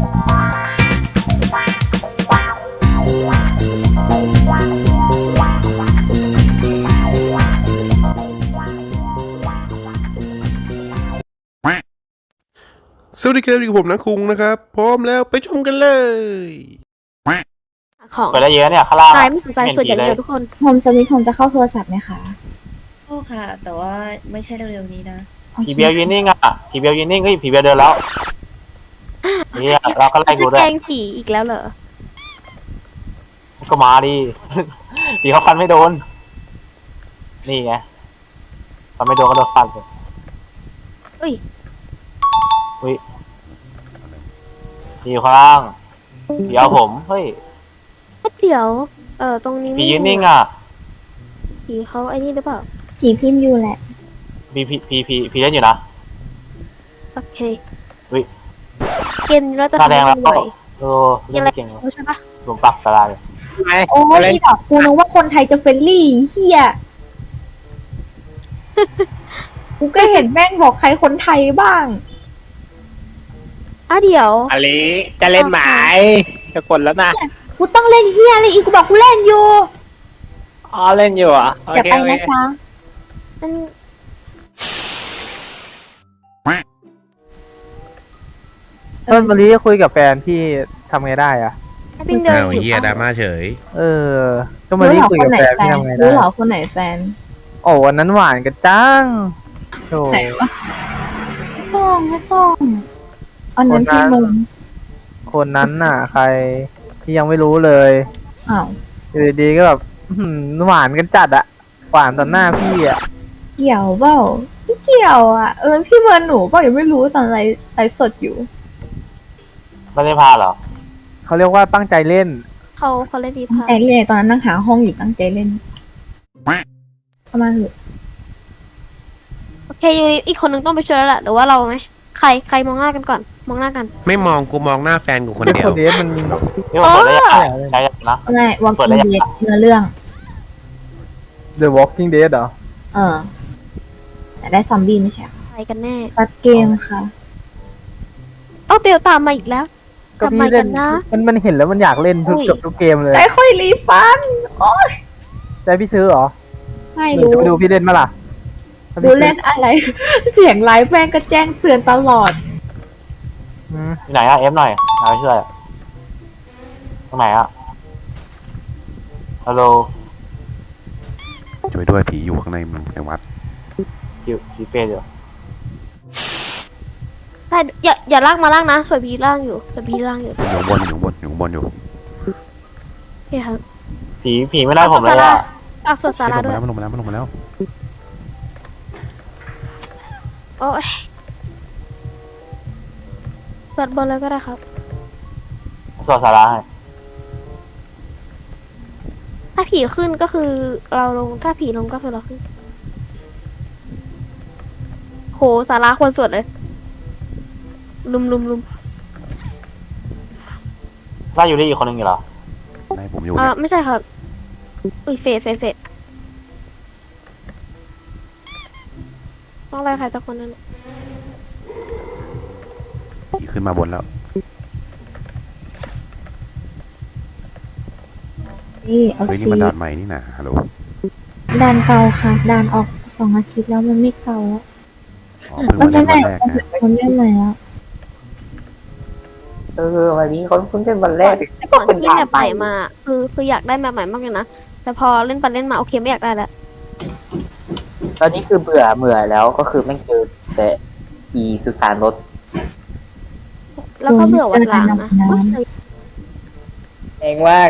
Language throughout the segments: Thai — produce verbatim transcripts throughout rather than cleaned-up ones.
สวัสดีครับอยู่กับผมนะคุงนะครับพร้อมแล้วไปชมกันเลยของเปิดได้เยอะเนี่ยข้างล่างใครไม่สนใจส่วนอย่างเดียวทุกคนโฮมสวิตโฮมจะเข้าโทรศัพท์ไหมคะโอ้ค่ะ แต่ว่าไม่ใช่เร็วๆนี้นะผีเบลยืนนิ่งอ่ะผีเบลยืนนิ่งเฮ้ยผีเบลเดินแล้วเนี่ยเราก็ไล่จะดูด้วแกยล้งผีอีกแล้วเหรอก็มาดิ ผีเขาฟันไม่โดนนี่ไงฟันไม่โดนก็โดนฟันเลยอุ้ยอุ้ยผีอยู่ข้างล่างผีเอาผมเฮ้ยเดี๋ยว เออตรงนี้ผีไม่ยืนมีนิ่งอ่ะผีเขาไอ้นี่หรือเปล่าผีพิมพ์อยู่แหละผีผีผีผีผีเล่นอยู่นะโอเคอุ้ยเกมนี้เราจะหน้าทำแดงให้แล้วบ่อยเออเล่นไม่เก่งเลยรู้ใช่ปะหลวมปักสลายโอ้ยอีดอกกูนึกว่าคนไทยจะเฟรนลี่เฮีย กูก็เห็นแม่งบอกใครคนไทยบ้างอ่ะเดี๋ยวอลิจะเล่นไหมจะกดแล้วนะกูต้องเล่นเฮียอะไรอีกกูบอกกูเล่นอยู่อ๋อเล่นอยู่เหรอ่ะโออย่าเคไปโอเคนะจ๊ะมันต้นมะลิคุยกับแฟนพี่ทำไงได้อะเป็นเดินอ้าวอยู่เฮียดราม่าเฉยเออต้นมะรู้ลิเหรอคุยคกัน บไหนแฟนแฟพี่นทำไงได้รู้เหรอคนไหนแฟนโอ้วันนั้นหวานกันจังโธ่ไหนวะไม่ต้องไม่ต้องอันนั้นพี่มึงคนนั้นน่ะ ใครพี่ยังไม่รู้เลยอ้าวอยู่ดีๆก็แบบอื้อหือหวานกันจัดอะหวานต่อหน้าพี่อะเกี่ยวเปล่าไม่เกี่ยวอ่ะเออพี่เมินหนูก็ยังไม่รู้ตอนไลฟ์ไลฟ์สดอยู่ไม่ได้พาเหรอเขาเรียกว่าตั้งใจเล่นเขาเขาเล่นดีตั้งพาใจเล่นตอนนั้นนั่งหาห้องอยู่ตั้งใจเล่นเข้ามาเถอะโอเคยูริอีกคนนึงต้องไปช่วยแล้วล่ะหรือว่าเราไหมใครใครมองหน้ากันก่อน มองหน้ากันไม่มองกูมองหน้าแฟนกูคนเด็กเดียคว นนี้มันนี่มันเปิดได้ยังไงใช้ยังนะง่ายวอลเปิกิดนได้ยังเดเนื้อเรื่อง The Walking Dead เหรอเออแต่ได้ซอมบี้ไม่ใช่ใครกันแน่ซัดเกมค่ะเอ้าเบลตามมาอีกแล้วก็ทำไมพี่เล่กัน นนะมันมันเห็นแล้วมันอยากเล่นทุกอุ้ยเกือบทุกเกมเลยใจค่อยรีฟัน โอ้ยใจพี่ซื้อเหรอไม่หรือรู้จะไปดูพี่เล่นมาล่ะถ้าดูพี่ซื้อเล่นอะไร เสียงไลฟ์แม่งก็แจ้งเตือนตลอดอืมที่ไหนอะเอฟหน่อยเอาไปช่วยตรงไหนอะฮัลโหลช่วยด้วยผีอยู่ข้างในมึงในวัดคิวคิวเฟสอยู่ใช่อย่าอย่าลากมาลากนะสวยพีล่างอยู่สวยพีล่างอยู่อยู่ข้างบนอยู่ข้างบนอยู่ข้างบนอยู่โอเคครับผีผีไม่ได้ผมเลยอะฝากสวดสาราด้วยมันลงมาแล้วมันลงมาแล้วโอ้ยสวดบนเลยก็ได้ครับสวดสาราให้ถ้าผีขึ้นก็คือเราลง ถ้าผีลงก็คือเราขึ้น โหสาราควรสวดเลย ลุมลุมลุมไล่อยู่ได้อีกคนนึงอยู่เหรอในผมอยู่เอเนี่อย ไม่ใช่ครับ อุ้ยเฟดเฟดเฟดต้องไล่ใครสักคนนั่นผีขึ้นมาบนแล้วนี่เอาเฮ้ยนี่ซีมันด่านใหม่นี่นะฮัลโหลด่านเก่าค่ะด่านออกสองอาทิตย์แล้วมันไม่เก่าแล้วอ๋อเพิ่งมัมาน เล่ไม่นใหวัม่นแรกนะมันไม่ใหม่แล้วเออวันนี้เขาเพิ่งเป็นวันแรกก่อนที่แบบใหม่มา คือคืออยากได้แบบใหม่มากเลยนะ แต่พอเล่นไปเล่นมาโอเคไม่อยากได้แล้วตอนนี้คือเบื่อเบื่อแล้วก็คือไม่เจอแต่อีสุสานรถแล้วก็เบื่อวันหลังนะน้ำอุ๊ยใจเองว่า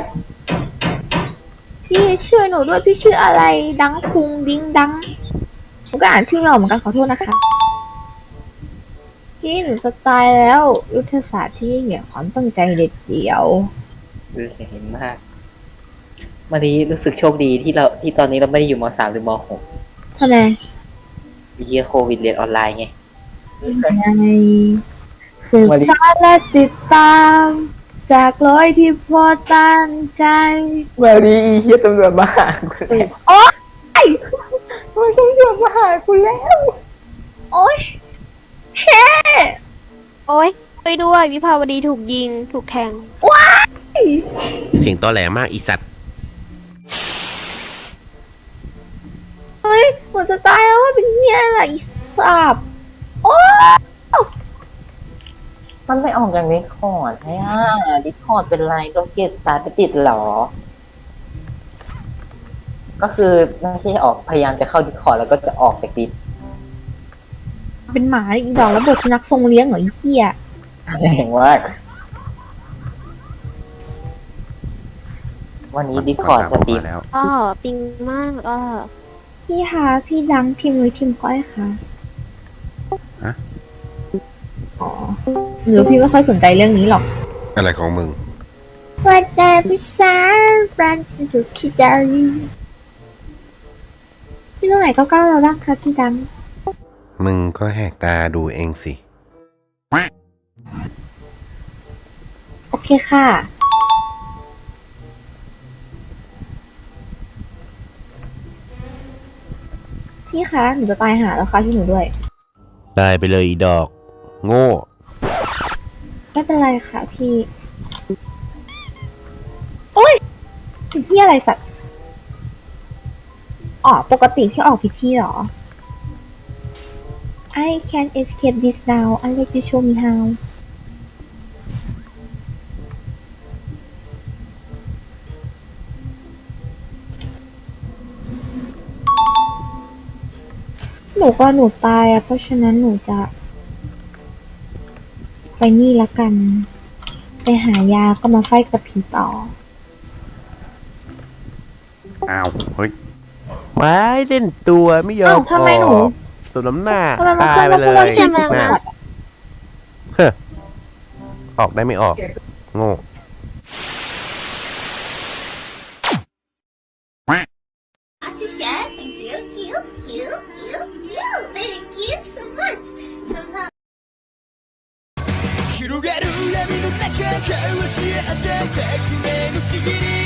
พี่ชื่อหนูด้วยพี่ชื่ออะไร ดังคุงดิ้งดังผมก็อ่านชื่อเราเหมือนกันขอโทษนะคะ พี่หนูสไตล์แล้ว ยุทธศาสตร์ที่ยิ่งใหญ่ความตั้งใจเด็ดเดี่ยวเห็นมากวันนี้รู้สึกโชคดีที่เราที่ตอนนี้เราไม่ได้อยู่มสามหรือมหกทำไมเยียโควิดเรียนออนไลน์ไงไงศึกษาและติดตาม จากร้อยที่พอตั้งใจวันนี้อีเฮียตำรวจมาหากูแล้วโอ๊ยมันตำรวจมาหากูแล้วโอ๊ยเฮ้โอ๊ยไปด้วยวิภาวดีถูกยิงถูกแทงเสียงตอแหลมากอีสัตว์เฮ้ยหนูจะตายแล้วว่าเป็นเหี้ยอะไรอีสับโอ้มันไม่ออกจากดิสคอร์ดใช่ไหมดิสคอร์ดเป็นไรโดนเกียร์สตาร์ทไปติดเหรอ ก็คือไม่ใช่ออกพยายามจะเข้าดิสคอร์ดแล้วก็จะออกจากดิสเป็นหมาอีดอกแล้วบทสุนัขทรงเลี้ยงเหรอไอ้เหี้ยแรงมากวันนี้ดิสคอร์ดสตรีมแล้วอ้อปิงมากอ้อพี่คะพี่ดังทีมหรือทีมก้อยคะฮะอ๋อหรือพี่ไม่ค่อยสนใจเรื่องนี้หรอกอะไรของมึงว่าแต่พี่สาวรันถูกคิดได้พี่ตรงไหนเก้าเก้าแล้วบ้างคะพี่ดังมึงก็แหกตาดูเองสิโอเคค่ะ พี่คะหนูจะตายหาแล้วค่ะที่หนูด้วยตายไปเลยอีดอก โง่ไม่เป็นไรค่ะพี่ โอ้ยเป็นที่อะไรสัตว์ อ๋อ ปกติพี่ออกผิดที่เหรอ I can't escape this now unless you show me how หนูก็หนูตายอะเพราะฉะนั้นหนูจะ ไปนี่ละกัน ไปหายาก็มาไฟกับผีต่ออ้าว เฮ้ยไม้เล่นตัวไม่ยอมอ้าวทำไมหนูออกสวมน้ำหน้าทำไมมาตายไปเลขึ้นมาพูดยว่าเสียงมันนะหมดเฮ้อออกได้ไม่ออก โง่ Thank you, you, you, you, you. Thank you so much. 広がる闇の中交わし合った革命のちぎり